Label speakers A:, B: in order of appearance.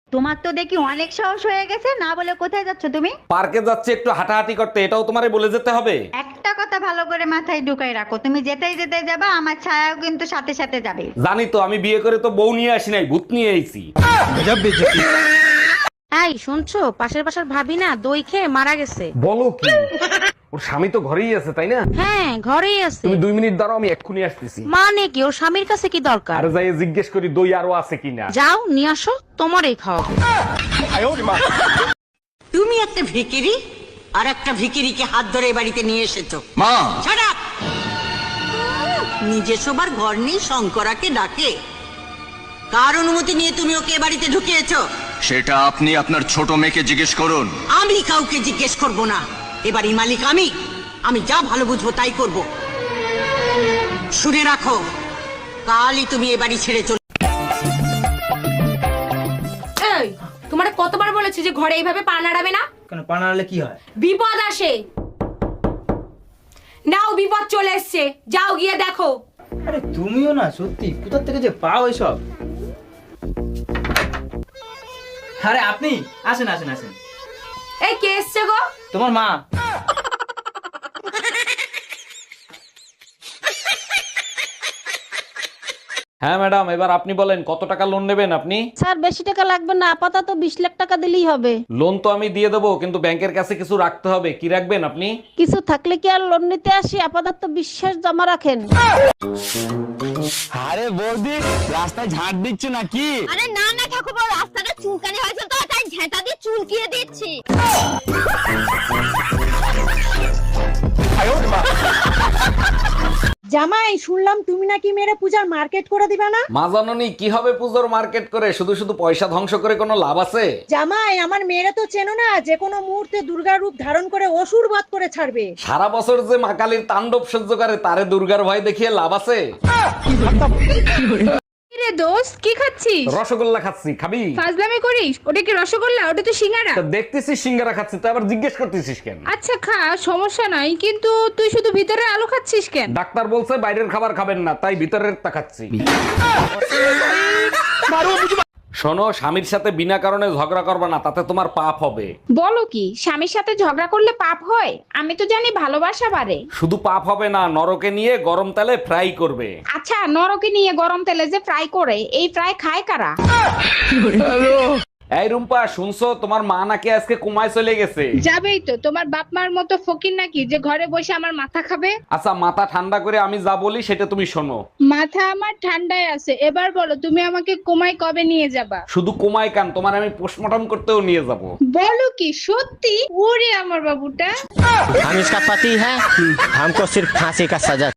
A: তোমার তো দেখি অনেক সাহস হয়ে গেছে, না বলে কোথায় যাচ্ছ তুমি?
B: পার্কে যাচ্ছে একটু হাঁটাহাঁটি করতে, এটাও তোমারে বলে যেতে হবে?
A: একটা কথা ভালো করে মাথায় ঢুকাই রাখো, তুমি যেতেই যেতে যাবা, আমার ছায়াও কিন্তু সাথে সাথে যাবে।
B: জানি তো, আমি বিয়ে করে তো বউ নিয়ে আসি নাই, ভূত নিয়ে আইছি।
C: এই শুনছো, পাশের বাসার ভাবি না দই খেয়ে মারা গেছে।
B: বলো কি? ওর স্বামী তো ঘরেই আছে, তাই না?
C: হ্যাঁ ঘরেই আছে।
B: তুমি 2 মিনিট দাঁড়াও, আমি এক্ষুনি আসতেছি।
C: মানে কি, ওর স্বামীর কাছে কি দরকার?
B: আরে যাই জিজ্ঞেস করি দই আরো আছে কিনা।
C: যাও নিয়ে আসো, তোমারই খাওয়াবো।
D: তুমি একটা ভিকিরি আর একটা ভিকিরিকে হাত ধরে এ বাড়িতে নিয়ে এসেছো।
E: মা,
D: Shut up! নিজে শোবার ঘর নেই, শঙ্করাকে ডাকে। কার অনুমতি নিয়ে তুমি ওকে এ বাড়িতে ঢুকিয়েছো?
E: সেটা আপনি আপনার ছোট মেয়েকে জিজ্ঞেস করুন।
D: আমি কাউকে জিজ্ঞেস করব না, এবারই মালিক আমি যা ভালো বুঝবো তাই করব। শুনে রাখো, কালই তুমি এ বাড়ি ছেড়ে চলে।
F: এই তোমারে কতবার বলেছি যে ঘরে এইভাবে পা নাড়াবে না?
G: কেন পা নাড়ালে কি হয়?
F: বিপদ আসে। নাও, বিপদ চলে এসছে, যাও গিয়ে দেখো।
G: আরে তুমিও না, সত্যি কোথা থেকে যে পাও এসব? আরে আপনি আসেন আসেন আসেন।
F: এই কে এসছে গো?
G: তোমার মা।
B: হ্যাঁ ম্যাডাম, এবার আপনি বলেন কত টাকা লোন নেবেন আপনি?
C: স্যার বেশি টাকা লাগবে না, আপাতত 20 লাখ টাকা দিলেই হবে।
B: লোন তো আমি দিয়ে দেবো, কিন্তু ব্যাংকের কাছে কিছু রাখতে হবে। কি রাখবেন আপনি?
C: কিছু থাকলে কি আর লোন নিতে আসি? আপাতত বিশ্বাস জমা রাখেন।
H: আরে বৌদি, রাস্তায় ঝাড় দিচ্ছ নাকি?
I: আরে না না ঠাকুরপো, রাস্তাটা চুলকানি হয়েছে তো তাই ঝেঁটা দিয়ে চুলকিয়ে দিচ্ছি।
C: জামাই, শুনলাম তুমি নাকি মেরে পূজার মার্কেট করে দিবে না?
B: মা জাননি কি হবে পুজোর মার্কেট করে, শুধু শুধু পয়সা ধ্বংস করে কোনো লাভ আছে?
C: জামাই, আমার মেয়েরা তো চেনো না, যে কোনো মুহূর্তে দুর্গার রূপ ধারণ করে অসুর বধ করে ছাড়বে।
B: সারা বছর যে মা কালীর তাণ্ডব সহ্য করে, তারে দুর্গার ভয় দেখিয়ে লাভ আছে?
F: রে দোস্ত, কি খাচ্ছিস?
B: রসগোল্লা খাচ্ছি, খাবি?
F: ফাজলামি করিস? ওটা কি রসগোল্লা? ওটা তো সিঙ্গারা।
B: তা দেখতেছিস সিঙ্গারা খাচ্ছি, তো আবার জিজ্ঞেস করতেছিস কেন?
F: আচ্ছা খা, সমস্যা নাই, কিন্তু তুই শুধু ভিতরে আলু খাচ্ছিস কেন?
B: ডাক্তার বলছে বাইরের খাবার খাবেন না, তাই ভিতরের তা খাচ্ছি। শোনো, স্বামীর সাথে বিনা কারণে ঝগড়া করবে না, তাতে তোমার পাপ হবে।
F: বলো কি, স্বামীর সাথে ঝগড়া করলে পাপ হয়? আমি তো জানি ভালোবাসা বাড়ে।
B: শুধু পাপ হবে না, নরকে নিয়ে গরম তেলে ফ্রাই করবে।
F: আচ্ছা, নরকে নিয়ে গরম তেলে যে ফ্রাই করে, এই ফ্রাই খায় কারা?
B: এই রুম্পা, শুনছো তোমার মা নাকি আজকে কুমায় চলে গেছে?
F: যাবেই তো, তোমার বাপ মার মতো ফকির নাকি যে ঘরে বসে আমার মাথা খাবে?
B: আচ্ছা, মাথা ঠান্ডা করে আমি যা বলি সেটা তুমি শোনো।
F: মাথা আমার ঠান্ডায় আছে, এবার বলো তুমি আমাকে কোমায় কবে নিয়ে যাবা?
B: শুধু কুমায় কান, তোমার আমি পোস্টমর্টম করতেও নিয়ে যাব।
F: বলো কি সত্যি? ওরে আমার বাবুটা।
H: हम इसका पति है, हमको सिर्फ फांसी का सजा